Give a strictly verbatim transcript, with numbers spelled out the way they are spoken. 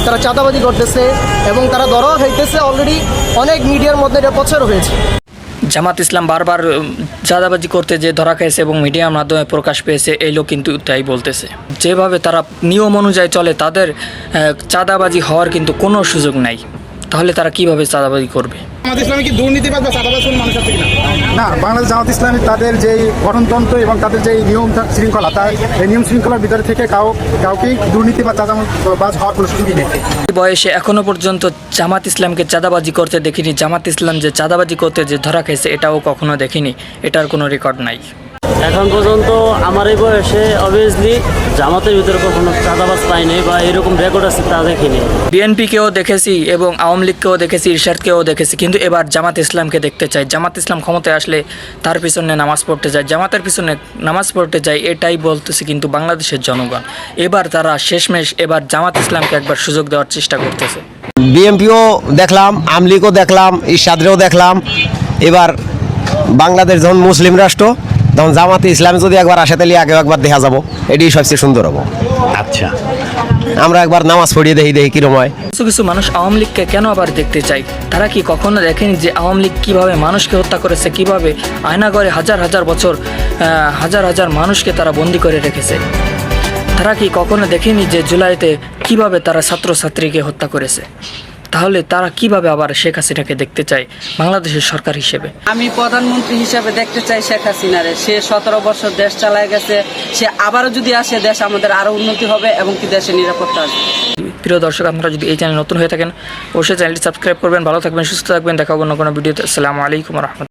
তারা চাঁদাবাজি করতেছে এবং তারা ধরা হইতেছে। অলরেডি অনেক মিডিয়ার মধ্যে এটা প্রচার হয়েছে। জামাত ইসলাম বারবার চাঁদাবাজি করতে যে ধরা খেয়েছে এবং মিডিয়ার মাধ্যমে প্রকাশ পেয়েছে, এই লোক কিন্তু তাই বলতেছে। যেভাবে তারা নিয়ম অনুযায়ী চলে তাদের চাঁদাবাজি হওয়ার কিন্তু কোনো সুযোগ নাই, তাহলে তারা কিভাবে চাঁদাবাজি করবে? জামাত ইসলামী কি দুর্নীতিবাজ বা চাঁদাবাজ কোনো মানুষ আছে কিনা? না, বাংলাদেশ জামাত ইসলামী তাদের যেই গঠনতন্ত্র এবং তাদের যেই নিয়ম শৃঙ্খলা, তার এই নিয়ম শৃঙ্খলার ভিতরে থেকে কাউ কাউকেই দুর্নীতি বা চাঁদাবাজ হওয়ার কোনো সুযোগই নেই। বয়সে এখনো পর্যন্ত জামাত ইসলামকে চাঁদাবাজি করতে দেখিনি। জামাত ইসলাম যে চাঁদাবাজি করতে যে ধরা খেয়েছে এটাও কখনো দেখিনি, এটার কোনো রেকর্ড নাই এখন পর্যন্ত। আমার এই বয়সে অবভিয়াসলি জামাতের ভিতরে কখনো চাঁদাবাজ পাইনি বা এরকম রেকর্ড আছে তা দেখিনি। বিএনপিকেও দেখেছি এবং আওয়ামী লীগকেও দেখেছি, ইরশাদকেও দেখেছি, কিন্তু এবার জামাত ইসলামকে দেখতে চাই। জামাত ইসলাম ক্ষমতায় আসলে তার পিছনে নামাজ পড়তে যায়, জামাতের পিছনে নামাজ পড়তে যায়, এটাই বলতেছে কিন্তু বাংলাদেশের জনগণ। এবার তারা শেষমেশ এবার জামাত ইসলামকে একবার সুযোগ দেওয়ার চেষ্টা করতেছে। বিএনপিও দেখলাম, আওয়ামী লীগও দেখলাম, ইরশাদরেও দেখলাম। এবার বাংলাদেশ যখন মুসলিম রাষ্ট্র, তখন জামাতে ইসলাম যদি একবার আসে তাহলে আগে একবার দেখা যাবো, এটাই সবচেয়ে সুন্দর হবো। আচ্ছা, আমরা একবার নামাজ পড়িয়ে দেখি দেখি কিরম হয়। কিছু কিছু মানুষ আওয়ামী লীগকে কেন আবার দেখতে চায়? তারা কি কখনো দেখেনি যে আওয়ামী লীগ কীভাবে মানুষকে হত্যা করেছে, কীভাবে আয়নাঘরে হাজার হাজার বছর হাজার হাজার মানুষকে তারা বন্দি করে রেখেছে? তারা কি কখনো দেখেনি যে জুলাইতে কিভাবে তারা ছাত্রছাত্রীকে হত্যা করেছে? তাহলে তারা কিভাবে আবার শেখ হাসিনাকে দেখতে চায় বাংলাদেশের সরকার হিসেবে? আমি প্রধানমন্ত্রী হিসেবে দেখতে চাই শেখ হাসিনারে। সে সতেরো বছর দেশ চালায় গেছে, সে আবারও যদি আসে দেশ আমাদের আরও উন্নতি হবে এবং কি দেশের নিরাপত্তা আসবে। প্রিয় দর্শক, আপনারা যদি এই চ্যানেল নতুন হয়ে থাকেন অবশ্যই চ্যানেলটি সাবস্ক্রাইব করবেন। ভালো থাকবেন, সুস্থ থাকবেন, দেখা হবে অন্য কোনো ভিডিওতে। আসসালামু আলাইকুম ওয়া রাহমাতুল্লাহ।